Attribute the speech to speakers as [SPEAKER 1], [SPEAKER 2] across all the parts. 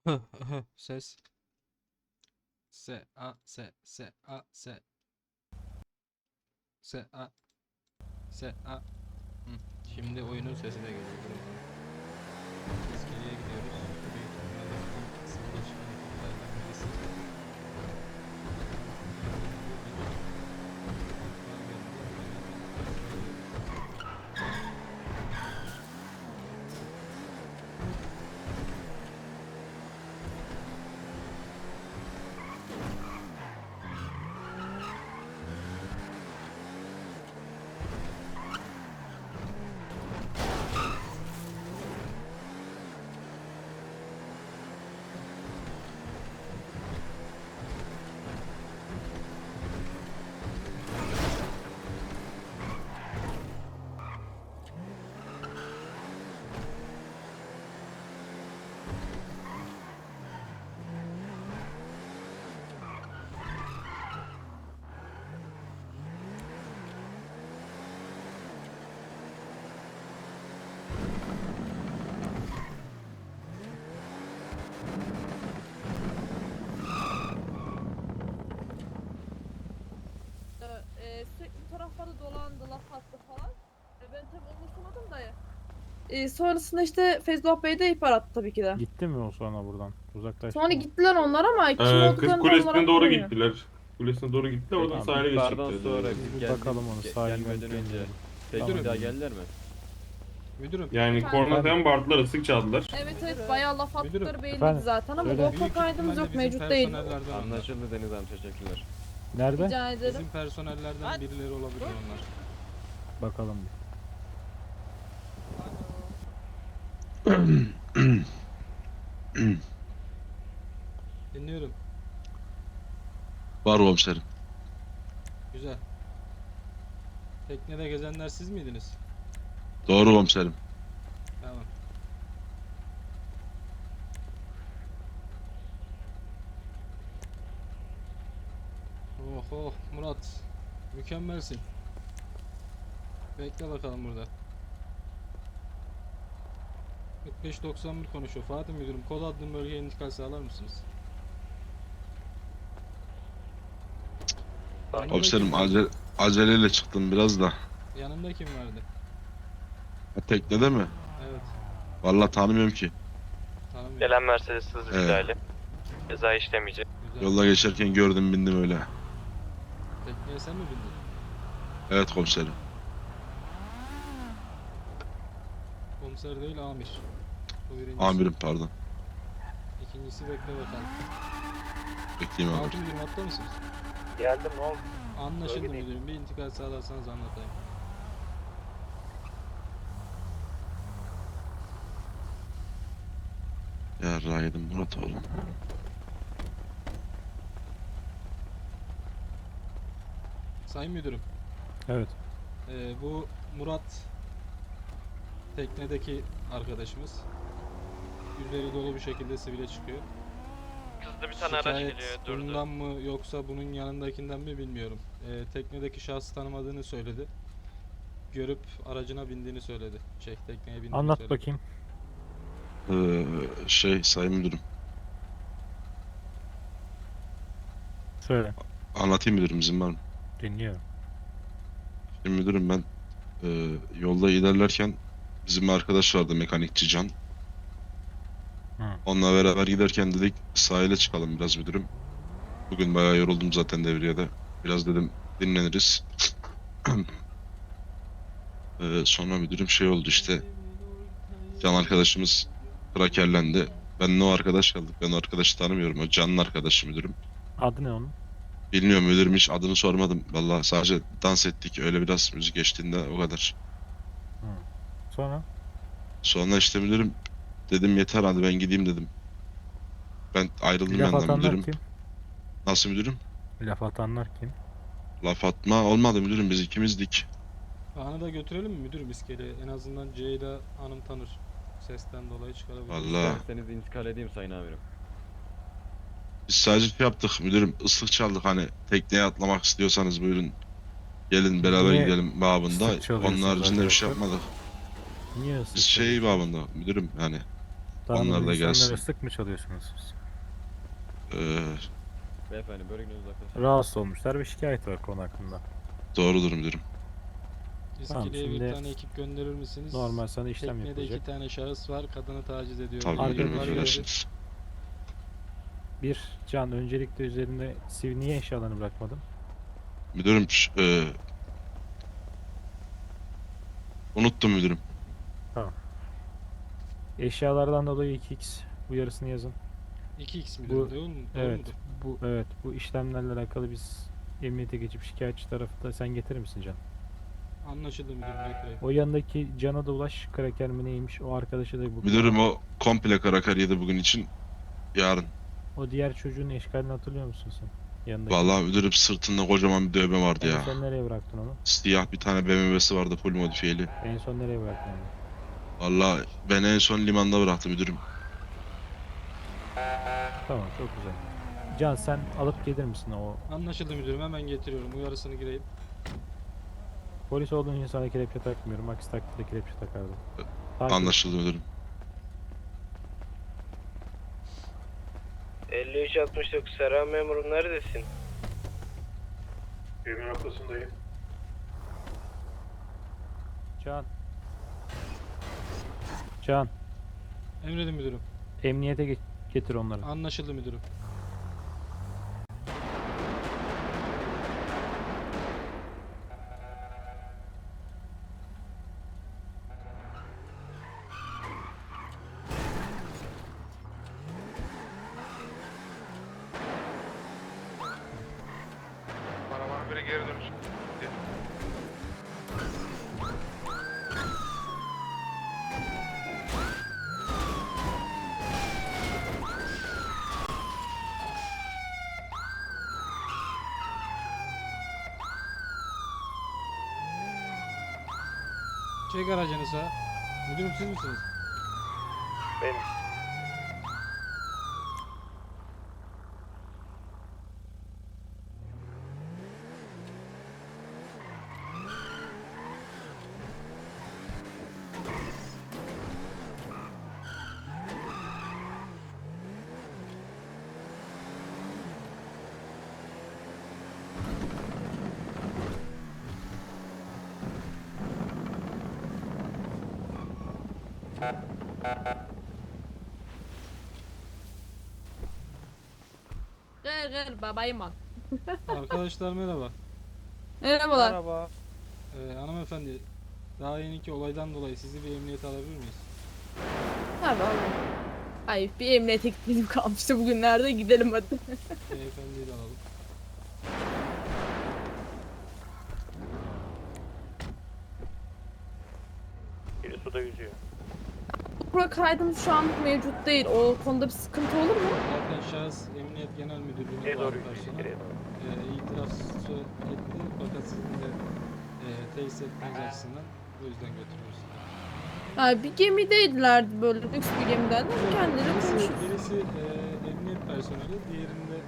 [SPEAKER 1] Ses. Se a se se a se se a se a. Hı. Şimdi oyunun sesi de geliyor. Dur bakalım. İskeleye gidiyoruz. Büyük ihtimalle ilk kısımda çıkan ekiplerden birisi.
[SPEAKER 2] Sürekli bu taraflarda dolandı, laf attı falan. Ben tabii umursamadım da. Sonrasında işte Feyzullah Bey de ihbar attı tabii ki de.
[SPEAKER 3] Gitti mi o sonra buradan? Uzaklaştı
[SPEAKER 2] Sonra
[SPEAKER 3] mı?
[SPEAKER 2] gittiler onlar ama kim
[SPEAKER 4] Kız
[SPEAKER 2] olduklarını tam
[SPEAKER 4] kulesine
[SPEAKER 2] olarak
[SPEAKER 4] doğru
[SPEAKER 2] bilmiyorum.
[SPEAKER 4] gittiler. Kulesine doğru gittiler, oradan
[SPEAKER 3] Tamam,
[SPEAKER 4] sahile
[SPEAKER 5] İhbardan
[SPEAKER 4] geçecekler.
[SPEAKER 5] sonra
[SPEAKER 3] Biz
[SPEAKER 5] biz
[SPEAKER 3] bir bakalım onu, sahilden
[SPEAKER 5] gelmeden önce
[SPEAKER 3] gönderelim.
[SPEAKER 5] peki
[SPEAKER 1] Tamam.
[SPEAKER 5] bir daha geldiler mi?
[SPEAKER 1] Müdürüm.
[SPEAKER 4] Yani
[SPEAKER 2] Efendim?
[SPEAKER 4] korna falan bağırdılar, ıslık çaldılar.
[SPEAKER 2] Evet evet bayağı laf
[SPEAKER 1] Müdürüm.
[SPEAKER 2] attıkları belliydi
[SPEAKER 3] Efendim?
[SPEAKER 2] zaten ama
[SPEAKER 3] Söyle.
[SPEAKER 2] GoPro
[SPEAKER 1] Büyük
[SPEAKER 2] kaydımız
[SPEAKER 1] ihtimalle
[SPEAKER 2] yok,
[SPEAKER 1] bizim
[SPEAKER 2] mevcut değil.
[SPEAKER 1] personellerden onlar.
[SPEAKER 5] Anlaşıldı Deniz Hanım, teşekkürler.
[SPEAKER 3] Nerede?
[SPEAKER 2] Rica ederim.
[SPEAKER 1] Bizim personellerden birileri olabilir onlar.
[SPEAKER 3] Bakalım bir.
[SPEAKER 1] Dinliyorum.
[SPEAKER 6] Var komiserim.
[SPEAKER 1] Güzel. Teknede gezenler siz miydiniz?
[SPEAKER 6] Doğru komiserim.
[SPEAKER 1] Tamam. Oh oh Murat. Mükemmelsin. Bekle bakalım burada. 4591 konuşuyor. Fatih müdürüm, kod adlı bölgeye intikal sağlar mısınız? Yanında
[SPEAKER 6] Komiserim
[SPEAKER 1] kim vardı?
[SPEAKER 6] aceleyle çıktım biraz da.
[SPEAKER 1] Yanında kim vardı?
[SPEAKER 6] Ha, teknede mi?
[SPEAKER 1] Evet.
[SPEAKER 6] Vallahi tanımıyorum ki.
[SPEAKER 1] Tanımıyorum.
[SPEAKER 7] Gelen Mercedes hız
[SPEAKER 6] Evet.
[SPEAKER 7] ihlali. Ceza işlemeyecek.
[SPEAKER 1] Güzel.
[SPEAKER 6] Yolda geçerken gördüm, bindim öyle.
[SPEAKER 1] Tekneye sen mi bindin?
[SPEAKER 6] Evet komiserim.
[SPEAKER 1] Komiser değil, amir. Bu birincisi.
[SPEAKER 6] Amirim pardon.
[SPEAKER 1] İkincisi bekle bakalım.
[SPEAKER 6] Bekleyeyim amirim.
[SPEAKER 1] Fatih müdürüm, hatta mısınız?
[SPEAKER 7] Geldim, ne oldu?
[SPEAKER 1] Anlaşıldı
[SPEAKER 7] Bölgedeyim.
[SPEAKER 1] müdürüm. Bir intikal sağlarsanız anlatayım.
[SPEAKER 6] Ya Rahidim Murat oğlum.
[SPEAKER 1] Sayın müdürüm.
[SPEAKER 3] Evet.
[SPEAKER 1] Bu Murat teknedeki arkadaşımız. Üzeri dolu bir şekilde sivile çıkıyor.
[SPEAKER 7] Hızlı bir tane araç
[SPEAKER 1] Şikayet
[SPEAKER 7] geliyor, durdu.
[SPEAKER 1] bundan mı yoksa bunun yanındakinden mi bilmiyorum. Teknedeki şahsı tanımadığını söyledi. Görüp aracına bindiğini söyledi. Tekneye bindiğini
[SPEAKER 3] Anlat
[SPEAKER 1] söyledi.
[SPEAKER 3] bakayım.
[SPEAKER 6] Sayın müdürüm.
[SPEAKER 3] Söyle.
[SPEAKER 6] Anlatayım müdürüm, izin var mı?
[SPEAKER 3] Dinliyorum.
[SPEAKER 6] Şimdi müdürüm ben yolda ilerlerken bizim bir arkadaş vardı, mekanikçi Can.
[SPEAKER 3] Hı.
[SPEAKER 6] Onunla beraber giderken dedik sahile çıkalım biraz müdürüm. Bugün bayağı yoruldum zaten devriyede. Biraz dedim dinleniriz. Sonra müdürüm şey oldu işte. Can arkadaşımız krakerlendi. Ben o arkadaş kaldık. Ben o arkadaşı tanımıyorum. O Can'ın arkadaşı müdürüm.
[SPEAKER 3] Adı ne onun?
[SPEAKER 6] Bilmiyorum müdürüm, hiç adını sormadım. Vallahi sadece dans ettik. Öyle biraz müzik eşliğinde, o kadar.
[SPEAKER 3] Sonra?
[SPEAKER 6] Sonra işte müdürüm dedim yeter, hadi ben gideyim dedim. Ben ayrıldım
[SPEAKER 3] Laf
[SPEAKER 6] yandan
[SPEAKER 3] atanlar
[SPEAKER 6] müdürüm.
[SPEAKER 3] kim?
[SPEAKER 6] Nasıl müdürüm?
[SPEAKER 3] Laf atanlar kim?
[SPEAKER 6] Laf atma olmadı müdürüm, biz ikimizdik.
[SPEAKER 1] Kaan'ı da götürelim mi müdürüm iskeleye? En azından Ceyda Hanım tanır. Sesten dolayı çıkarabilir.
[SPEAKER 6] Vallahi.
[SPEAKER 5] İsterseniz intikal edeyim sayın amirim.
[SPEAKER 6] Biz sadece şey yaptık müdürüm, ıslık çaldık, hani tekneye atlamak istiyorsanız buyurun. Gelin beraber
[SPEAKER 3] Niye
[SPEAKER 6] gidelim babında.
[SPEAKER 3] ıslık çalıyorsunuz
[SPEAKER 6] Onun haricinde bir şey
[SPEAKER 3] arkadaşlar?
[SPEAKER 6] yapmadık.
[SPEAKER 3] Niye ıslık
[SPEAKER 6] Biz şey
[SPEAKER 3] çalıyorsun?
[SPEAKER 6] babında müdürüm, hani
[SPEAKER 3] Tanımadığınız
[SPEAKER 6] Onlar da
[SPEAKER 3] insanlara
[SPEAKER 6] gelsin.
[SPEAKER 3] sık mı çalıyorsunuz siz?
[SPEAKER 5] Beyefendi bölgeden uzaklaşın.
[SPEAKER 3] Rahatsız olmuşlar ve şikayet var konu hakkında.
[SPEAKER 6] Doğrudur müdürüm.
[SPEAKER 3] Tamam,
[SPEAKER 1] İskele'ye bir
[SPEAKER 3] şimdi
[SPEAKER 1] tane ekip gönderir misiniz?
[SPEAKER 3] Normal sana işlem
[SPEAKER 1] Teknede
[SPEAKER 3] yapılacak.
[SPEAKER 1] 2 tane şahıs var. Kadını taciz ediyor.
[SPEAKER 6] Tabii
[SPEAKER 3] Arkadaşlar-
[SPEAKER 6] müdürüm
[SPEAKER 1] Var
[SPEAKER 6] affedersiniz.
[SPEAKER 3] Bir, Can, öncelikle üzerinde niye eşyalarını bırakmadın?
[SPEAKER 6] Müdürüm unuttum müdürüm.
[SPEAKER 3] Eşyalardan dolayı 2x uyarısını yazın.
[SPEAKER 1] 2x mi
[SPEAKER 3] Bu-
[SPEAKER 1] değil mi? Doğru
[SPEAKER 3] Evet,
[SPEAKER 1] mudur?
[SPEAKER 3] bu işlemlerle alakalı biz emniyete geçip şikayetçi tarafı da sen getirir misin Can?
[SPEAKER 1] Anlaşıldı müdürüm. Bekleyin.
[SPEAKER 3] O yanındaki Can'a da ulaş, kraker mi neymiş, o arkadaşı da bu.
[SPEAKER 6] Müdürüm o komple karakar yedi bugün için. Yarın.
[SPEAKER 3] O diğer çocuğun eşkalini hatırlıyor musun sen? Yanındaki.
[SPEAKER 6] Vallahi müdürüm sırtında kocaman bir dövme vardı
[SPEAKER 3] En
[SPEAKER 6] ya.
[SPEAKER 3] son nereye bıraktın onu?
[SPEAKER 6] Siyah bir tane BMW'si vardı full modifiyeli.
[SPEAKER 3] En son nereye bıraktın onu?
[SPEAKER 6] Vallahi ben en son limanda bıraktım müdürüm.
[SPEAKER 3] Tamam, çok güzel. Can, sen alıp gelir misin o?
[SPEAKER 1] Anlaşıldı müdürüm. Hemen getiriyorum. Uyarısını gireyim.
[SPEAKER 3] Polis olduğun için sana kelepçe takmıyorum. Aksi takdirde kelepçe takardım. Takip-
[SPEAKER 6] Anlaşıldı müdürüm.
[SPEAKER 7] 5369 Serhan memurum neredesin?
[SPEAKER 4] Evin ortasındayım.
[SPEAKER 3] Can. Can,
[SPEAKER 1] Emredin müdürüm.
[SPEAKER 3] emniyete getir onları.
[SPEAKER 1] Anlaşıldı müdürüm.
[SPEAKER 7] Paravan biri geri dönüş.
[SPEAKER 1] Çek aracını sağa. Müdürüm siz misiniz?
[SPEAKER 7] Benim.
[SPEAKER 2] Gel gel babayım al.
[SPEAKER 1] Arkadaşlar merhaba.
[SPEAKER 2] Merhabalar.
[SPEAKER 1] Hanımefendi. Daha yeniki olaydan dolayı sizi bir emniyete alabilir miyiz?
[SPEAKER 2] Tabii alayım. Ay bir emniyete gittiğim kalmıştı bugünlerde, gidelim hadi.
[SPEAKER 1] Beyefendiyi de alalım.
[SPEAKER 7] Biri suda yüzüyor.
[SPEAKER 2] Bura kaydım şu an mevcut değil. O konuda bir sıkıntı olur mu?
[SPEAKER 1] Zaten şahıs Emniyet Genel Müdürlüğü'ne
[SPEAKER 7] Geriye
[SPEAKER 1] bağlı
[SPEAKER 7] doğru yüzüyor.
[SPEAKER 1] personel.
[SPEAKER 7] Geriye doğru.
[SPEAKER 1] İtiraf etti fakat sizin de tesis etmeniz açısından o yüzden götürüyoruz.
[SPEAKER 2] Ha, bir gemideydiler, böyle lüks bir gemiden. Kendileri
[SPEAKER 1] Birisi,
[SPEAKER 2] konuşuyor.
[SPEAKER 1] birisi emniyet personeli, diğerinde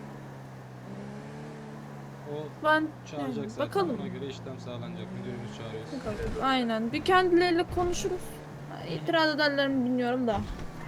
[SPEAKER 1] o
[SPEAKER 2] Ben
[SPEAKER 1] çağıracak
[SPEAKER 2] yani,
[SPEAKER 1] zaten
[SPEAKER 2] bakalım.
[SPEAKER 1] ona göre işlem sağlanacak. Müdürümüz çağırıyoruz.
[SPEAKER 2] Aynen. Bir kendileriyle konuşuruz. Ha, İtiraz ederler mi bilmiyorum da.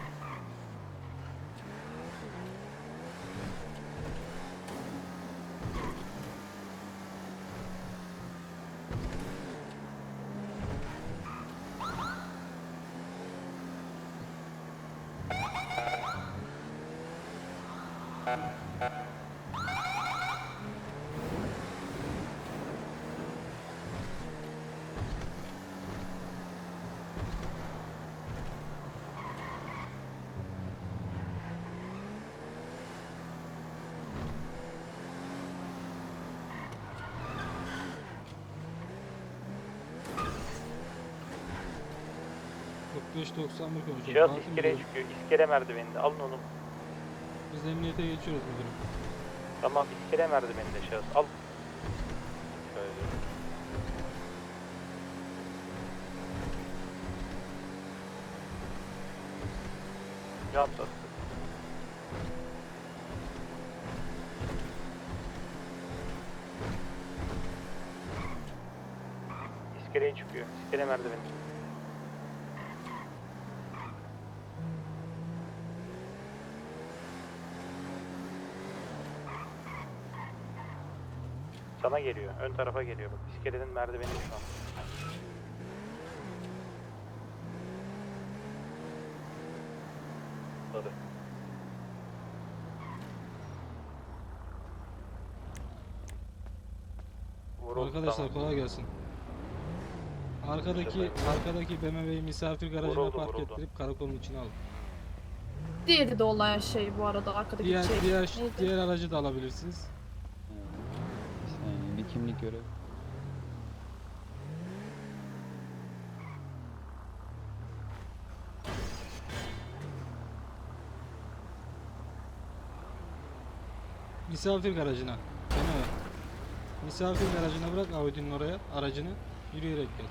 [SPEAKER 1] %95-91 konuşuyoruz.
[SPEAKER 7] Şahıs
[SPEAKER 1] Hakim
[SPEAKER 7] iskeleye
[SPEAKER 1] müdürüm,
[SPEAKER 7] çıkıyor. İskele merdiveninde. Alın onu.
[SPEAKER 1] biz emniyete geçiyoruz müdürüm.
[SPEAKER 7] Tamam, iskele merdiveninde şahıs. Al. Şöyle. Rahat bastı. İskeleye çıkıyor. İskele merdiveni. Sana geliyor. Ön tarafa geliyor. Bak iskelenin merdiveni şu an. Hadi. Vuruldu,
[SPEAKER 1] Arkadaşlar
[SPEAKER 7] tamam.
[SPEAKER 1] kolay gelsin. Arkadaki BMW'yi misafir garajına
[SPEAKER 7] Vuruldu,
[SPEAKER 1] park
[SPEAKER 7] vuruldu.
[SPEAKER 1] ettirip karakolun içine alın.
[SPEAKER 2] Diğeri de olay şey bu arada arkadaki
[SPEAKER 1] Diğer
[SPEAKER 2] şey.
[SPEAKER 1] diğer
[SPEAKER 2] Neydi?
[SPEAKER 1] diğer aracı da alabilirsiniz.
[SPEAKER 5] Bir saniye, bir kimlik görev.
[SPEAKER 1] Misafir garajına. BMW. Misafir garajına bırak Audi'nin oraya aracını. Yürüyerek gel.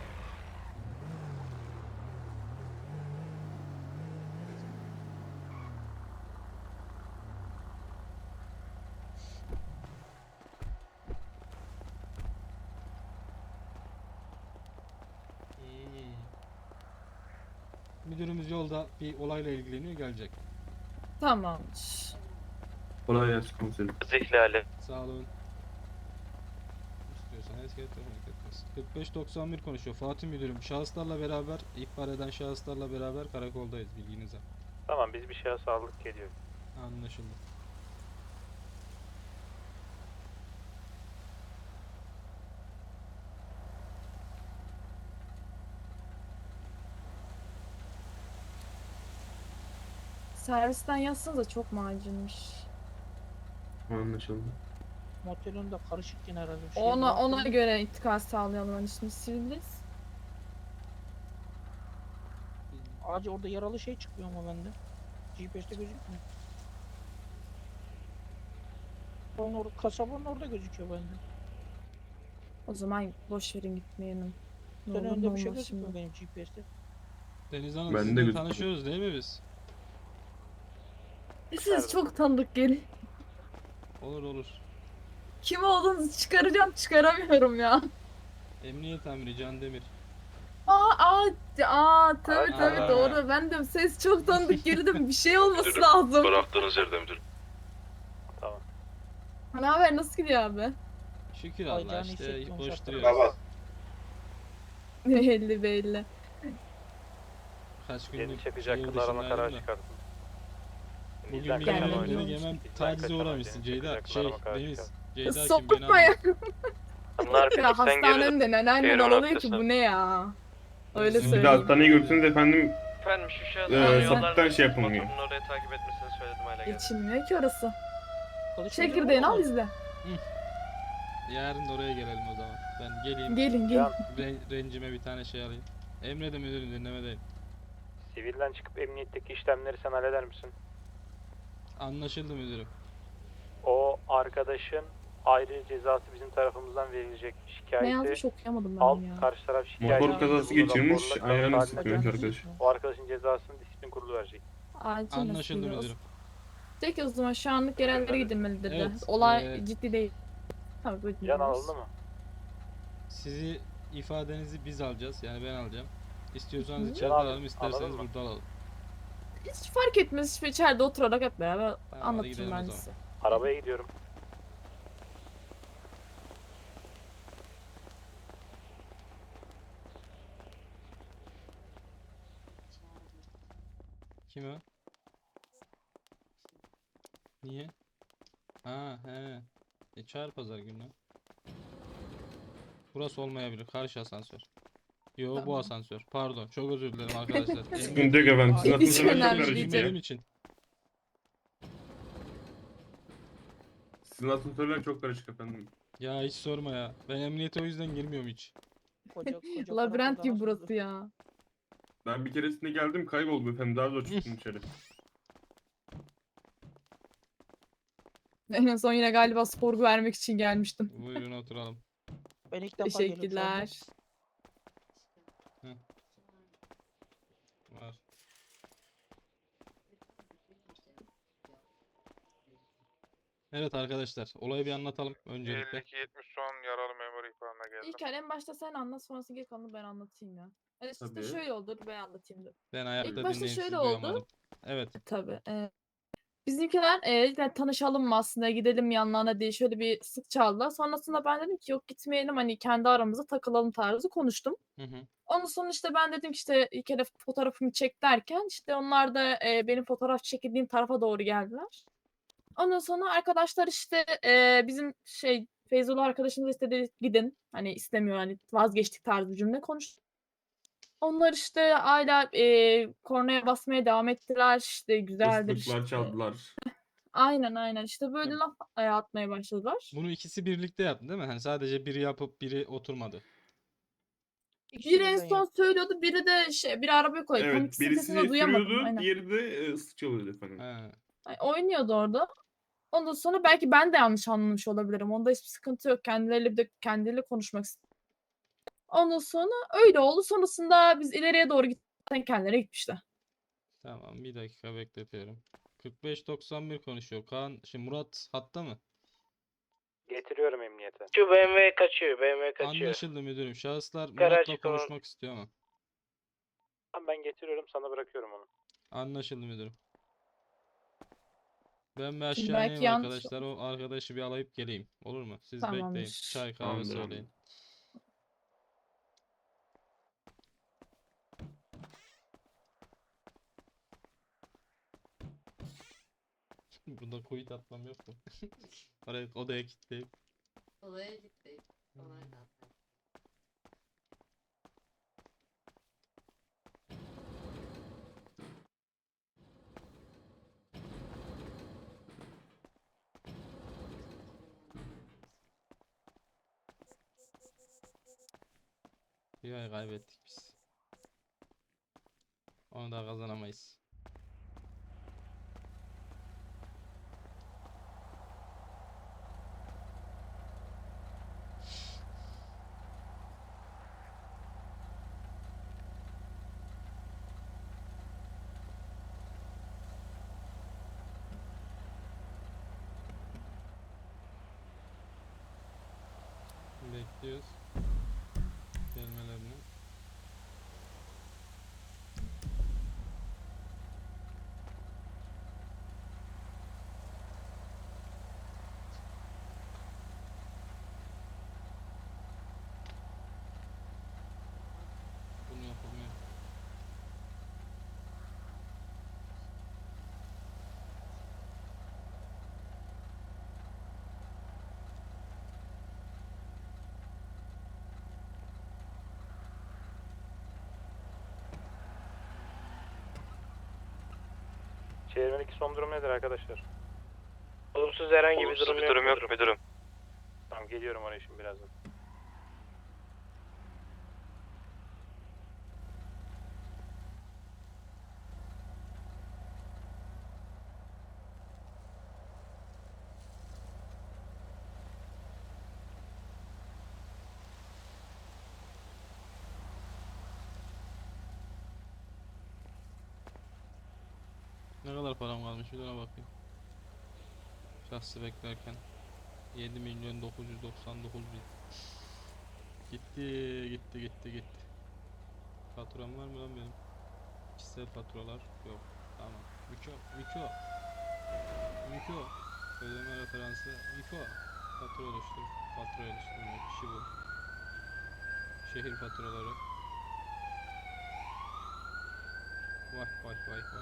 [SPEAKER 1] Müdürümüz yolda bir olayla ilgileniyor, gelecek.
[SPEAKER 2] Tamamdır.
[SPEAKER 4] Kolay gelsin komiserim.
[SPEAKER 7] Zihlali.
[SPEAKER 1] Sağ olun. İstiyorsan esket etmez. 4591 konuşuyor. Fatih müdürüm, şahıslarla beraber, ihbar eden şahıslarla beraber karakoldayız, bilginize.
[SPEAKER 7] Tamam biz bir şahıs aldık geliyor.
[SPEAKER 1] Anlaşıldı.
[SPEAKER 2] Servisten yazsanıza çok macunmuş.
[SPEAKER 4] Anlaşıldı.
[SPEAKER 8] Motelin de karışık yine herhalde. Bir şey
[SPEAKER 2] Ona
[SPEAKER 8] var.
[SPEAKER 2] göre intikal sağlayalım hani şimdi siviliz.
[SPEAKER 8] Acı orada yaralı şey çıkıyor ama bende. GPS'te gözükmüyor. Onun orada, kasabanın orada gözüküyor bende.
[SPEAKER 2] O zaman boş verin gitmeyelim. Ne
[SPEAKER 8] Senin
[SPEAKER 2] olur ne
[SPEAKER 8] önünde bir şey
[SPEAKER 2] olmaz
[SPEAKER 8] gözükmüyor
[SPEAKER 2] şimdi.
[SPEAKER 8] benim GPS'te.
[SPEAKER 1] Deniz Hanım,
[SPEAKER 4] Ben de
[SPEAKER 1] sizinle
[SPEAKER 4] gözüküyor.
[SPEAKER 1] tanışıyoruz değil mi biz?
[SPEAKER 2] Siz çok tanıdık gelin.
[SPEAKER 1] Olur olur.
[SPEAKER 2] Kim olduğunuzu çıkaracağım çıkaramıyorum ya.
[SPEAKER 1] Emniyet amiri Can Demir.
[SPEAKER 2] Tabii
[SPEAKER 1] Aa.
[SPEAKER 2] doğru. Ben de ses çok tanıdık geldi. Bir şey olması lazım.
[SPEAKER 6] Bıraktığınız yerde müdürüm.
[SPEAKER 7] Tamam.
[SPEAKER 2] Ne haber nasıl gidiyor abi?
[SPEAKER 1] Şükür
[SPEAKER 8] Ay,
[SPEAKER 1] Allah
[SPEAKER 8] canı
[SPEAKER 1] işte
[SPEAKER 8] hissettim,
[SPEAKER 1] boş
[SPEAKER 8] şartlar.
[SPEAKER 1] duruyoruz.
[SPEAKER 2] Belli belli.
[SPEAKER 1] Kaç
[SPEAKER 7] Yeni
[SPEAKER 1] günlük
[SPEAKER 7] çakacak
[SPEAKER 1] şehir
[SPEAKER 7] kız arama
[SPEAKER 1] dışındaydım
[SPEAKER 7] kararı
[SPEAKER 1] da.
[SPEAKER 7] çıkarttın.
[SPEAKER 1] Bugün
[SPEAKER 7] Bizden
[SPEAKER 1] bir
[SPEAKER 7] kaçan
[SPEAKER 2] Gelmedi.
[SPEAKER 1] yemen
[SPEAKER 7] oyuncu.
[SPEAKER 1] beni yemem
[SPEAKER 7] Bizden
[SPEAKER 1] tacize
[SPEAKER 7] kaçan
[SPEAKER 1] uğramışsın
[SPEAKER 7] oyuncu.
[SPEAKER 1] Ceyda.
[SPEAKER 7] Çakacak kız
[SPEAKER 1] Şey
[SPEAKER 7] arama kararı
[SPEAKER 1] Deniz.
[SPEAKER 7] çıkarttın.
[SPEAKER 1] Ceyda kim beni
[SPEAKER 2] Sokutma ya.
[SPEAKER 1] anlıyor.
[SPEAKER 2] Ya hastanın de neneannen oluyor ki bu ne ya? Öyle
[SPEAKER 1] Bizim
[SPEAKER 4] Bir de
[SPEAKER 2] söyleyeyim.
[SPEAKER 4] hastaneye götürseniz efendim
[SPEAKER 9] Efendim şu şahıs
[SPEAKER 4] sapıktan şey yapılmıyor.
[SPEAKER 9] motorunu oraya takip etmesini söyledim hala geldi.
[SPEAKER 2] Geçilmiyor ki orası.
[SPEAKER 8] Konuşmayacak
[SPEAKER 2] Çekirdeğini
[SPEAKER 8] mı?
[SPEAKER 2] al izle.
[SPEAKER 1] Yarın da oraya gelelim o zaman. Ben geleyim.
[SPEAKER 2] Gelin gelin.
[SPEAKER 1] Rencime bir tane şey alayım. Emredin müdürüm, dinlemedeyim.
[SPEAKER 7] Sivilden çıkıp emniyetteki işlemleri sen halleder misin?
[SPEAKER 1] Anlaşıldı müdürüm.
[SPEAKER 7] O arkadaşın ayrı cezası bizim tarafımızdan verilecek.
[SPEAKER 2] Ne
[SPEAKER 7] Şikayeti
[SPEAKER 2] yazmış okuyamadım ben
[SPEAKER 7] al,
[SPEAKER 2] ya.
[SPEAKER 7] karşı taraf şikayet
[SPEAKER 4] Motor kazası geçirmiş, ayağını
[SPEAKER 7] ayağını
[SPEAKER 4] sıkıyormuş arkadaş.
[SPEAKER 7] O arkadaşın cezasını disiplin kurulu verecek.
[SPEAKER 2] Acil
[SPEAKER 1] Anlaşıldı
[SPEAKER 2] nasıl
[SPEAKER 1] müdürüm.
[SPEAKER 2] Peki o zaman şu anlık yerellere gidilmeli dedi.
[SPEAKER 1] Evet,
[SPEAKER 2] Olay ciddi değil. Tabii buyurun.
[SPEAKER 7] Can alındı mı?
[SPEAKER 1] Sizi ifadenizi biz alacağız. Yani ben alacağım. İstiyorsanız
[SPEAKER 2] Hı.
[SPEAKER 1] içeride
[SPEAKER 7] Can abi,
[SPEAKER 1] alalım, isterseniz
[SPEAKER 7] anladın mı?
[SPEAKER 1] burada alalım.
[SPEAKER 2] Hiç fark etmez. Hiç içeride oturarak hep beraber
[SPEAKER 1] hadi
[SPEAKER 2] anlatırım
[SPEAKER 1] gidelim o
[SPEAKER 2] ben
[SPEAKER 1] zaman.
[SPEAKER 2] size.
[SPEAKER 7] Arabaya gidiyorum.
[SPEAKER 1] Kim o? Niye? Ha he. Çağır pazar günü. Burası olmayabilir. Karşı asansör. Yo bu
[SPEAKER 2] Tamam.
[SPEAKER 1] asansör. Pardon. Çok özür dilerim arkadaşlar.
[SPEAKER 4] Sıkıntı yok efendim. Sizin
[SPEAKER 2] Hiç
[SPEAKER 4] asansörler çok
[SPEAKER 2] önemli
[SPEAKER 4] karışık
[SPEAKER 2] değil
[SPEAKER 4] ya.
[SPEAKER 1] Benim için.
[SPEAKER 4] Sizin asansörler çok karışık efendim.
[SPEAKER 1] Ya hiç sorma ya. Ben emniyete o yüzden girmiyorum hiç.
[SPEAKER 8] Koca
[SPEAKER 2] Labirent
[SPEAKER 8] karakolda
[SPEAKER 2] gibi
[SPEAKER 8] nasıl
[SPEAKER 2] burası
[SPEAKER 8] olur?
[SPEAKER 2] ya.
[SPEAKER 4] Ben bir keresinde geldim kayboldum efendim. Daha zor çıktım içeri.
[SPEAKER 2] En son yine galiba spor vermek için gelmiştim.
[SPEAKER 1] Buyurun oturalım.
[SPEAKER 8] Ben ilk defa geliyorum şu anda.
[SPEAKER 2] Teşekkürler.
[SPEAKER 1] Var. Evet arkadaşlar. Olayı bir anlatalım öncelikle.
[SPEAKER 10] 52-70 son yaralı memur ihbarına geldim.
[SPEAKER 2] İlk en başta sen anlat sonrasında geri kalanını ben anlatayım ya. Yani işte
[SPEAKER 4] Tabii.
[SPEAKER 2] şöyle oldu ben anlatayım dur.
[SPEAKER 1] Ben ayakta
[SPEAKER 2] başta
[SPEAKER 1] dinleyin, sizi
[SPEAKER 2] şöyle oldu.
[SPEAKER 1] duyamadım. Evet.
[SPEAKER 2] Tabii. Bizimkiler dediler tanışalım mı aslında gidelim mi yanlarına diye şöyle bir sık çaldılar. Sonrasında ben dedim ki yok gitmeyelim hani kendi aramızda takılalım tarzı konuştum.
[SPEAKER 1] Hı hı.
[SPEAKER 2] Ondan sonra işte ben dedim ki işte ilk kere fotoğrafımı çek derken işte onlar da benim fotoğraf çekildiğim tarafa doğru geldiler. Ondan sonra arkadaşlar işte bizim Feyzullah arkadaşımız istedi gidin. Hani istemiyor hani vazgeçtik tarzı bir cümle konuştu. Onlar işte hala kornaya basmaya devam ettiler. İşte güzeldir
[SPEAKER 4] Islıklar
[SPEAKER 2] işte.
[SPEAKER 4] çaldılar.
[SPEAKER 2] Aynen işte böyle laf atmaya başladılar.
[SPEAKER 1] Bunu ikisi birlikte yaptı değil mi? Hani sadece biri yapıp biri oturmadı.
[SPEAKER 8] İkisi
[SPEAKER 2] Biri en
[SPEAKER 8] birden
[SPEAKER 2] son söylüyordu, biri de biri arabaya koyuyor. Tam
[SPEAKER 4] Evet,
[SPEAKER 2] ikisinin sesini de
[SPEAKER 4] birisi
[SPEAKER 2] duyamadım.
[SPEAKER 4] sürüyordu,
[SPEAKER 2] Aynen.
[SPEAKER 4] diğeri de ıslık çalıyordu efendim.
[SPEAKER 1] He.
[SPEAKER 2] Ay, oynuyordu orada. Ondan sonra belki ben de yanlış anlamış olabilirim. Onda hiçbir sıkıntı yok. Kendileriyle konuşmak istedim. Ondan sonra öyle oldu. Sonrasında biz ileriye doğru gittikten kendileri gitmişler.
[SPEAKER 1] Tamam, bir dakika bekletiyorum. 4591 konuşuyor. Kaan, şimdi Murat hatta mı?
[SPEAKER 7] Getiriyorum emniyete.
[SPEAKER 9] Şu BMW kaçıyor, BMW kaçıyor.
[SPEAKER 1] Anlaşıldı müdürüm. Şahıslar
[SPEAKER 9] Garaj
[SPEAKER 1] Murat'la
[SPEAKER 9] çıkalım.
[SPEAKER 1] konuşmak istiyor ama.
[SPEAKER 7] Tamam, ben getiriyorum, sana bırakıyorum onu.
[SPEAKER 1] Anlaşıldı müdürüm. Ben bir
[SPEAKER 2] Şimdi
[SPEAKER 1] aşağı
[SPEAKER 2] belki
[SPEAKER 1] ineyim
[SPEAKER 2] yanlış
[SPEAKER 1] arkadaşlar. O arkadaşı bir alayıp geleyim. Olur mu? Siz bekleyin.
[SPEAKER 2] Tamamdır.
[SPEAKER 1] Çay kahve
[SPEAKER 4] Tamamdır abi.
[SPEAKER 1] söyleyin. Burada kuyut atmam yok mu? Oraya odaya kilitleyip.
[SPEAKER 11] Olaya gitti. Olay da.
[SPEAKER 1] Bir ay kaybettik biz. Onu da kazanamayız. Bekliyoruz gelmelerini. Bunu yapamıyorum.
[SPEAKER 7] Çevirmedeki son durum nedir arkadaşlar?
[SPEAKER 9] Olumsuz herhangi bir
[SPEAKER 10] Olumsuz
[SPEAKER 9] durum
[SPEAKER 10] bir
[SPEAKER 9] yok.
[SPEAKER 10] durum yok müdürüm.
[SPEAKER 7] Tamam, geliyorum oraya şimdi birazdan.
[SPEAKER 1] Ne kadar param kalmış bir de ona bakayım. Şahsı beklerken 7.999.000. Gitti. Faturam var mı lan benim? Kişisel faturalar yok. Tamam. Miko. Ödeme referansı Miko. Fatura oluştur. Fatura oluşturma kişi bu. Şehir faturaları. Vay.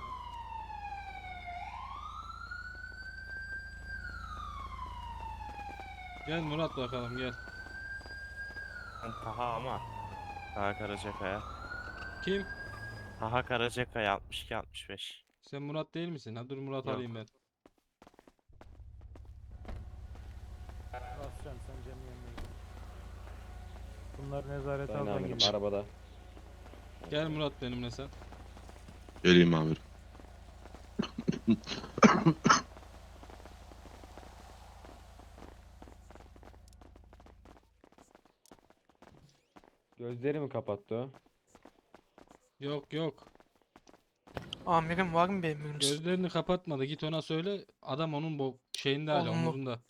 [SPEAKER 1] Gel Murat bakalım gel.
[SPEAKER 10] Taha ama. Taha Karacakaya.
[SPEAKER 1] Kim?
[SPEAKER 10] Taha Karacakaya 62-65.
[SPEAKER 1] Sen Murat değil misin? Ha dur Murat
[SPEAKER 10] Yok.
[SPEAKER 1] alayım ben.
[SPEAKER 3] Bascan sen Cem'in yanına git. Bunlar nezarete
[SPEAKER 5] Sayın
[SPEAKER 3] aldan
[SPEAKER 5] amirim
[SPEAKER 3] geliyor.
[SPEAKER 5] arabada.
[SPEAKER 1] Gel Murat benimle sen.
[SPEAKER 6] Geleyim amirim.
[SPEAKER 5] Gözleri mi kapattı o?
[SPEAKER 1] Yok.
[SPEAKER 9] Amirim var mı bir emriniz?
[SPEAKER 1] Gözlerini kapatmadı. Git ona söyle. Adam onun bu şeyinde hala
[SPEAKER 9] Olumlu.
[SPEAKER 1] omuzunda.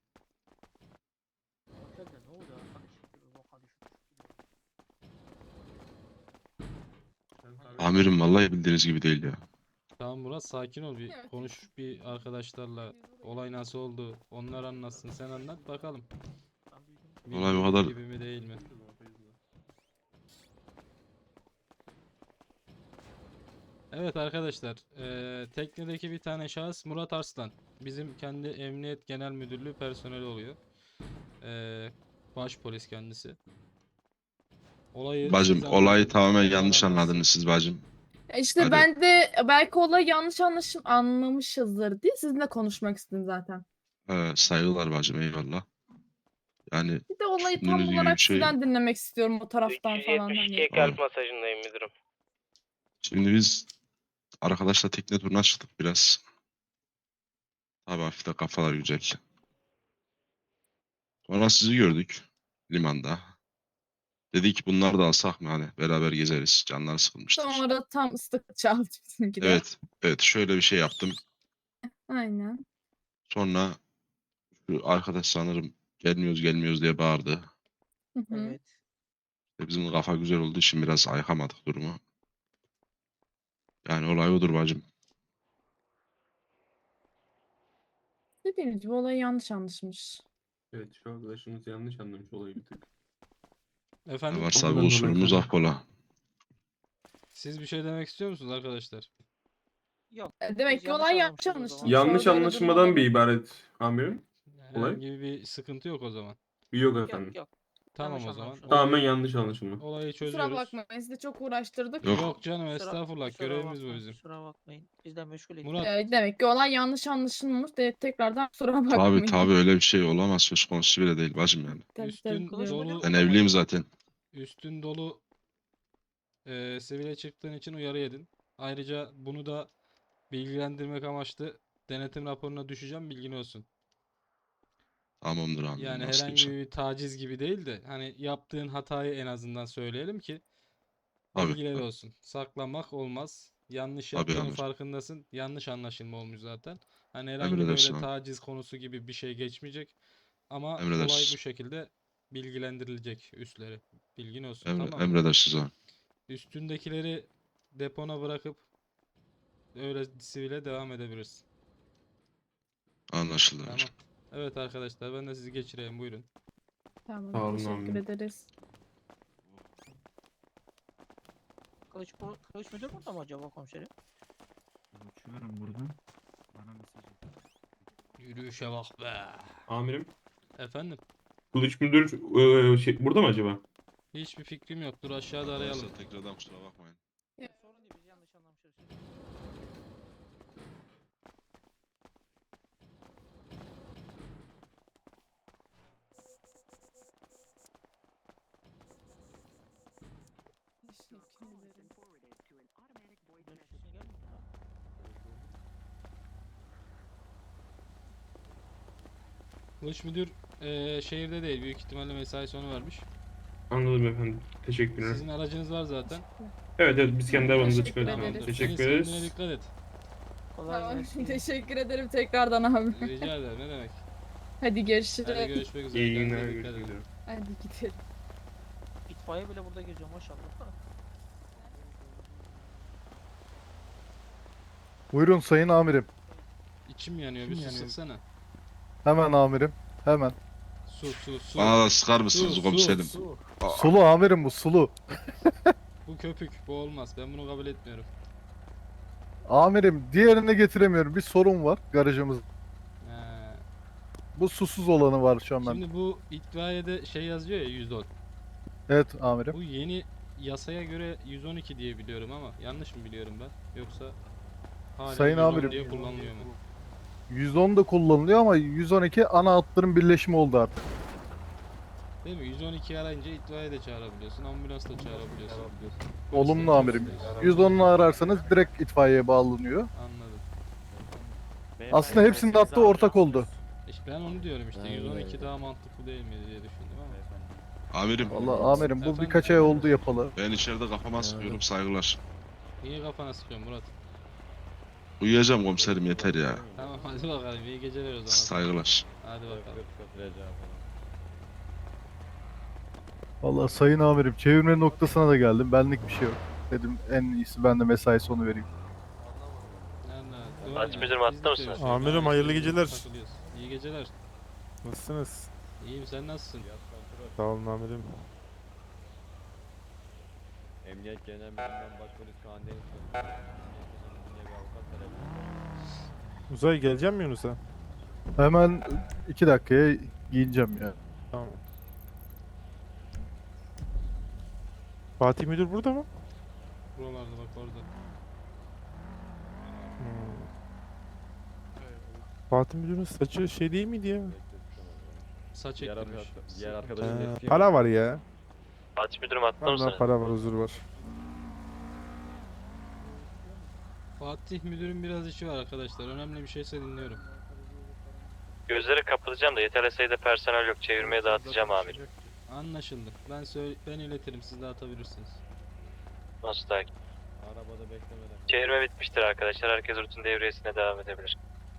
[SPEAKER 8] Otelde ne oldu? Boka düşmüş.
[SPEAKER 4] Sen tabii-
[SPEAKER 6] Amirim vallahi bildiğiniz gibi değil ya.
[SPEAKER 1] Tamam Murat, sakin ol, bir
[SPEAKER 2] Evet.
[SPEAKER 1] konuş bir arkadaşlarla, olay nasıl oldu onlar anlatsın, sen anlat bakalım.
[SPEAKER 6] Olay bu
[SPEAKER 1] Bildiğimiz
[SPEAKER 6] kadar.
[SPEAKER 1] gibi mi değil mi? Evet arkadaşlar, teknedeki bir tane şahıs Murat Arslan. Bizim kendi Emniyet Genel Müdürlüğü personeli oluyor. Baş polis kendisi. Olayı
[SPEAKER 6] Bacım
[SPEAKER 1] siz
[SPEAKER 6] olayı
[SPEAKER 1] anlatın.
[SPEAKER 6] tamamen
[SPEAKER 1] Yalan
[SPEAKER 6] yanlış
[SPEAKER 1] anlatsın.
[SPEAKER 6] anladınız siz bacım.
[SPEAKER 2] İşte
[SPEAKER 6] Hadi.
[SPEAKER 2] ben de belki olayı yanlış anlamışızdır diye sizinle konuşmak istedim zaten.
[SPEAKER 6] Saygılar bacım, eyvallah. Yani
[SPEAKER 2] Bir de olayı tam
[SPEAKER 6] düşündüğünüz gibi bir
[SPEAKER 2] olarak
[SPEAKER 6] şey.
[SPEAKER 2] sizden dinlemek istiyorum o taraftan falan.
[SPEAKER 9] 372'ye
[SPEAKER 2] Hani.
[SPEAKER 9] kalp masajındayım müdürüm.
[SPEAKER 6] Şimdi biz arkadaşla tekne turuna çıktık biraz. Tabii hafif de kafalar güzel. Sonra sizi gördük limanda. Dedik bunları da alsak mı, hani beraber gezeriz. Canlar sıkılmıştır.
[SPEAKER 2] Sonra tam ıslık çaldı bizimki de.
[SPEAKER 6] Evet, evet, şöyle bir şey yaptım.
[SPEAKER 2] Aynen.
[SPEAKER 6] Sonra şu arkadaş sanırım gelmiyoruz gelmiyoruz diye bağırdı.
[SPEAKER 2] Hı hı.
[SPEAKER 8] Evet.
[SPEAKER 6] Bizim kafa güzel olduğu için biraz ayıkamadık durumu. Yani olay odur bacım.
[SPEAKER 2] Dediğimiz gibi olayı yanlış anlaşılmış.
[SPEAKER 4] Evet, şu arkadaşımız yanlış anlamış olayı bir tık.
[SPEAKER 6] Ne
[SPEAKER 1] Efendim,
[SPEAKER 6] varsa
[SPEAKER 4] Ondan
[SPEAKER 6] bu
[SPEAKER 4] dolayı
[SPEAKER 6] kusurumuz
[SPEAKER 4] tabii.
[SPEAKER 6] affola.
[SPEAKER 1] siz bir şey demek istiyor musunuz arkadaşlar?
[SPEAKER 8] Yok.
[SPEAKER 2] Demek
[SPEAKER 8] biz
[SPEAKER 2] ki olay yanlış
[SPEAKER 8] yanlış anlamışız o
[SPEAKER 2] anlaşılmış.
[SPEAKER 8] zaman.
[SPEAKER 4] Yanlış
[SPEAKER 2] Orada öyle
[SPEAKER 4] anlaşılmadan
[SPEAKER 2] durumlar
[SPEAKER 4] bir
[SPEAKER 2] olur.
[SPEAKER 4] ibaret amirim. Olay?
[SPEAKER 1] Herhangi bir sıkıntı yok o zaman.
[SPEAKER 4] Yok efendim.
[SPEAKER 8] Yok.
[SPEAKER 1] Tamam
[SPEAKER 8] Yanlış
[SPEAKER 1] o zaman.
[SPEAKER 8] anlamışız.
[SPEAKER 4] Tamamen yanlış anlaşılma.
[SPEAKER 1] Olayı
[SPEAKER 2] Kusura
[SPEAKER 1] çözüyoruz.
[SPEAKER 2] bakmayın sizi çok uğraştırdık.
[SPEAKER 6] Yok.
[SPEAKER 1] Yok canım, estağfurullah, görevimiz bu
[SPEAKER 8] bakmayın,
[SPEAKER 1] bizim.
[SPEAKER 8] Kusura bakmayın. Bizden meşgul ettik.
[SPEAKER 1] Murat,
[SPEAKER 2] Demek ki olay yanlış anlaşılmış. Tekrardan kusura
[SPEAKER 6] Tabii
[SPEAKER 2] bakmayın.
[SPEAKER 6] tabii, öyle bir şey olamaz, söz konusu bile değil bacım yani.
[SPEAKER 2] Tabii,
[SPEAKER 1] üstün
[SPEAKER 8] Kılıç
[SPEAKER 2] biliyorum.
[SPEAKER 8] müdür
[SPEAKER 1] dolu
[SPEAKER 6] Ben
[SPEAKER 8] mü?
[SPEAKER 6] evliyim zaten.
[SPEAKER 1] üstün dolu sivile çıktığın için uyarı yedin. Ayrıca bunu da bilgilendirmek amaçlı denetim raporuna düşeceğim, bilgin olsun.
[SPEAKER 6] Tamamdır amirim,
[SPEAKER 1] Yani
[SPEAKER 6] nasıl
[SPEAKER 1] herhangi
[SPEAKER 6] diyorsan.
[SPEAKER 1] bir taciz gibi değil de hani yaptığın hatayı en azından söyleyelim ki
[SPEAKER 6] Tabii,
[SPEAKER 1] bilgiler
[SPEAKER 6] tabii,
[SPEAKER 1] olsun. Saklamak olmaz. Yanlış
[SPEAKER 6] tabii
[SPEAKER 1] yaptığının
[SPEAKER 6] amirim.
[SPEAKER 1] farkındasın. Yanlış anlaşılma olmuş zaten. Hani herhangi
[SPEAKER 6] Emredersin
[SPEAKER 1] böyle
[SPEAKER 6] amirim.
[SPEAKER 1] taciz konusu gibi bir şey geçmeyecek. Ama olay bu
[SPEAKER 6] Emredersiniz.
[SPEAKER 1] şekilde bilgilendirilecek üstleri. Bilgin olsun, tamam mı?
[SPEAKER 6] Emredersiniz amirim.
[SPEAKER 1] Üstündekileri depona bırakıp öyle sivile devam edebilirsin.
[SPEAKER 6] Anlaşıldı
[SPEAKER 1] Tamam.
[SPEAKER 6] amirim.
[SPEAKER 1] Evet arkadaşlar, ben de sizi geçireyim, buyurun.
[SPEAKER 2] Tamam,
[SPEAKER 4] Sağ olun
[SPEAKER 2] teşekkür
[SPEAKER 4] amirim.
[SPEAKER 2] ederiz.
[SPEAKER 8] Kılıç müdür burada mı acaba komiserim?
[SPEAKER 3] Uçuyorum buradan. Bana mesaj
[SPEAKER 1] Yürüyüşe bak be.
[SPEAKER 4] Amirim.
[SPEAKER 1] Efendim?
[SPEAKER 4] Kılıç müdür burada mı acaba?
[SPEAKER 1] Hiçbir fikrim yok. Dur aşağıda arayalım.
[SPEAKER 6] Varsa tekrardan kusura bakmayın.
[SPEAKER 8] Sorun değil, biz yanlış anlamışız.
[SPEAKER 1] Kılıç müdür şehirde değil. Büyük ihtimalle mesai sonu vermiş.
[SPEAKER 4] Anladım efendim. Teşekkürler.
[SPEAKER 1] Sizin aracınız var zaten.
[SPEAKER 4] Evet evet, biz kendi aramızda
[SPEAKER 2] Teşekkür
[SPEAKER 4] çıkarız.
[SPEAKER 2] ederiz.
[SPEAKER 1] Tamamdır.
[SPEAKER 4] Teşekkür
[SPEAKER 1] Deniz, kendine
[SPEAKER 4] ederiz.
[SPEAKER 1] dikkat et.
[SPEAKER 8] Kolay
[SPEAKER 2] Tamam,
[SPEAKER 8] gelsin.
[SPEAKER 2] teşekkür ederim tekrardan abi.
[SPEAKER 1] Rica ederim, ne demek.
[SPEAKER 2] Hadi görüşürüz.
[SPEAKER 1] Hadi görüşmek üzere.
[SPEAKER 4] İyi
[SPEAKER 1] Kendinize
[SPEAKER 4] günler.
[SPEAKER 1] dikkat
[SPEAKER 4] Görüşmek
[SPEAKER 1] edin.
[SPEAKER 4] üzere.
[SPEAKER 2] Hadi gidelim.
[SPEAKER 8] İtfaiye bile burada geziyor maşallah.
[SPEAKER 12] Buyurun sayın amirim.
[SPEAKER 1] İçim yanıyor. Bir su sıksana.
[SPEAKER 12] Hemen amirim. Hemen.
[SPEAKER 1] Su.
[SPEAKER 6] Bana da sıkar mısınız
[SPEAKER 1] Su,
[SPEAKER 6] komiserim?
[SPEAKER 1] su.
[SPEAKER 12] Sulu amirim bu sulu.
[SPEAKER 1] Bu köpük. Bu olmaz. Ben bunu kabul etmiyorum.
[SPEAKER 12] Amirim diğerini getiremiyorum. Bir sorun var garajımız.
[SPEAKER 1] He.
[SPEAKER 12] Bu susuz olanı var şu an ben.
[SPEAKER 1] Şimdi bu itfaiyede şey yazıyor ya, 110.
[SPEAKER 12] Evet amirim.
[SPEAKER 1] Bu yeni yasaya göre 112 diye biliyorum ama yanlış mı biliyorum ben? Yoksa hala
[SPEAKER 12] Sayın
[SPEAKER 1] 110
[SPEAKER 12] amirim.
[SPEAKER 1] diye kullanılıyor mu?
[SPEAKER 12] 110 da kullanılıyor ama 112 ana hatların birleşimi oldu artık.
[SPEAKER 1] Değil mi? 112 arayınca itfaiye de çağırabiliyorsun, ambulans da çağırabiliyorsun.
[SPEAKER 12] Olumlu
[SPEAKER 1] Polis de
[SPEAKER 12] amirim.
[SPEAKER 1] çağırabiliyorsun.
[SPEAKER 12] 110'u ararsanız direkt itfaiyeye bağlanıyor.
[SPEAKER 1] Anladım.
[SPEAKER 12] Aslında hepsinin de hattı ortak oldu.
[SPEAKER 1] İşte ben onu diyorum işte, 112 daha mantıklı değil mi diye düşündüm ama.
[SPEAKER 6] Amirim,
[SPEAKER 12] Vallahi amirim bu
[SPEAKER 1] Efendim?
[SPEAKER 12] birkaç ay oldu yapalı.
[SPEAKER 6] ben içeride kafama sıkıyorum, saygılar.
[SPEAKER 1] Niye kafana sıkıyorsun Murat?
[SPEAKER 6] Uyuyacağım komiserim, yeter ya.
[SPEAKER 1] Tamam hadi bakalım, iyi geceler o zaman.
[SPEAKER 6] Saygılar.
[SPEAKER 1] Hadi bakalım.
[SPEAKER 12] Vallahi sayın amirim çevirme noktasına da geldim. Benlik bir şey yok. Dedim en iyisi ben de mesai sonu vereyim.
[SPEAKER 1] Doğru
[SPEAKER 7] Fatih
[SPEAKER 1] diyor.
[SPEAKER 7] Müdürüm,
[SPEAKER 1] Biz
[SPEAKER 7] hatta
[SPEAKER 1] de
[SPEAKER 7] mısınız?
[SPEAKER 1] çalışıyoruz.
[SPEAKER 3] Amirim,
[SPEAKER 1] Aynı
[SPEAKER 3] hayırlı
[SPEAKER 1] şeyde
[SPEAKER 3] geceler.
[SPEAKER 1] takılıyoruz. İyi geceler.
[SPEAKER 3] Nasılsınız?
[SPEAKER 1] İyiyim, sen nasılsın?
[SPEAKER 3] Sağ olun amirim.
[SPEAKER 5] Emniyet Genel Müdürü'nden Başpolis Kaan Deniz.
[SPEAKER 3] Uzay geleceğim mi Yunus'a?
[SPEAKER 12] Hemen 2 dakikaya giyineceğim ya.
[SPEAKER 3] Tamam. Fatih Müdür burada mı?
[SPEAKER 1] Buralarda bak orada.
[SPEAKER 3] Fatih Müdür'ün saçı şey değil miydi ya?
[SPEAKER 1] Saç eklemiş.
[SPEAKER 5] Diğer arkadaşın eski
[SPEAKER 3] Para var ya.
[SPEAKER 7] Fatih Müdürüm, hatta
[SPEAKER 3] Allah
[SPEAKER 7] mısınız?
[SPEAKER 3] para var, huzur var.
[SPEAKER 1] Fatih müdürün biraz işi var arkadaşlar. Önemli bir şeyse dinliyorum.
[SPEAKER 7] Gözleri kapatacağım da yeterli sayıda personel yok. Çevirmeye dağıtacağım amirim.
[SPEAKER 1] Anlaşıldı. Ben iletirim, siz de atabilirsiniz.
[SPEAKER 7] Nasıl takip?
[SPEAKER 5] arabada beklemeden.
[SPEAKER 7] Çevirme bitmiştir arkadaşlar. Herkes rutin devriyesine devam edebilir.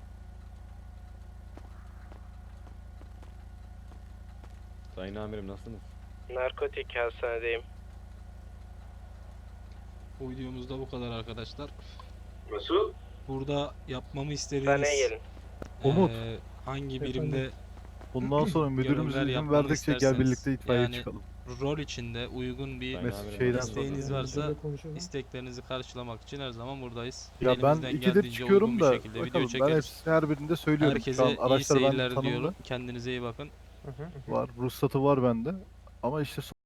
[SPEAKER 5] Sayın amirim nasılsınız?
[SPEAKER 9] Narkotik hastanedeyim.
[SPEAKER 1] Bu videomuzda bu kadar arkadaşlar.
[SPEAKER 4] Nasıl?
[SPEAKER 1] Burada yapmamı istediğiniz
[SPEAKER 9] Hastaneye gelin.
[SPEAKER 12] Umut.
[SPEAKER 1] hangi birimde
[SPEAKER 12] Bundan sonra müdürümüz
[SPEAKER 1] görevler
[SPEAKER 12] izin
[SPEAKER 1] yapmamı
[SPEAKER 12] verdikçe gel
[SPEAKER 1] isterseniz,
[SPEAKER 12] birlikte itfaiye
[SPEAKER 1] yani
[SPEAKER 12] çıkalım.
[SPEAKER 1] rol içinde uygun bir
[SPEAKER 5] Sayın
[SPEAKER 12] Mes-
[SPEAKER 5] amirim,
[SPEAKER 12] şeyden
[SPEAKER 5] nasılsınız?
[SPEAKER 1] isteğiniz varsa isteklerinizi karşılamak için her zaman buradayız.
[SPEAKER 12] Ya ben
[SPEAKER 1] Elimizden
[SPEAKER 12] 2'de
[SPEAKER 1] geldiğince
[SPEAKER 12] çıkıyorum
[SPEAKER 1] uygun bir
[SPEAKER 12] da
[SPEAKER 1] şekilde video
[SPEAKER 12] bakalım ben
[SPEAKER 1] çekeriz.
[SPEAKER 12] hepsini her birinde söylüyorum. Şu
[SPEAKER 1] Herkese
[SPEAKER 12] an
[SPEAKER 1] iyi
[SPEAKER 12] araçlar bende
[SPEAKER 1] seyirler
[SPEAKER 12] tanımlı
[SPEAKER 1] diyorum. Kendinize iyi bakın.
[SPEAKER 12] var. Ruhsatı var bende. Ama işte